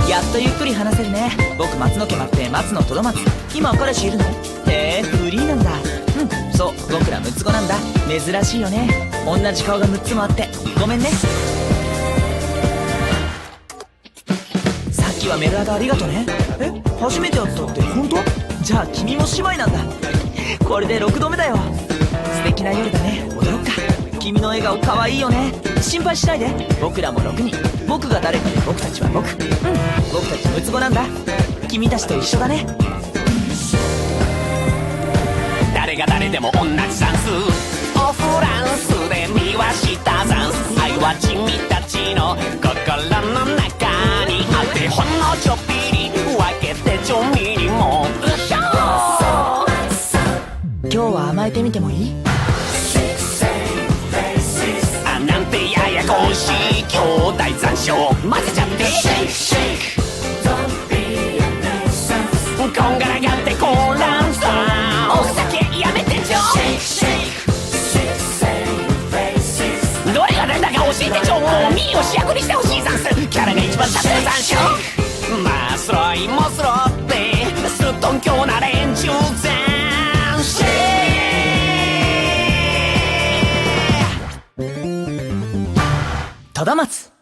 やっとゆっくり話せるね。僕松野家待って松野とど松。今彼氏いるの？へえ、フリーなんだ。うん、そう、僕ら6つ子なんだ。珍しいよね。同じ顔が6つもあってごめんね。さっきはメルアドありがとね。え、初めてやったって本当？じゃあ君も姉妹なんだ。これで6度目だよ。素敵な夜だね。踊ろっか。君の笑顔かわいいよね。心配しないで。僕らも6人。僕が誰かで僕たちは僕。うん、僕たち6つ子なんだ。君たちと一緒だね。 誰が誰でも同じダンス。オフランスで見はしたダンス。愛は君たちの心の中にあって、ほんのちょっぴり分けてちょみりも。 今日は甘えてみてもいい？ あ、なんてややこしい兄弟残暑混ぜちゃって、こんがらがってこらんさ、お酒やめてちょ。どれが誰だか教えてちょ。もうミーを主役にしてほしいざんす。キャラが一番立ってるざんしょ。まあスロイもスロってすっとんきょうな連中ざんし。 とど松。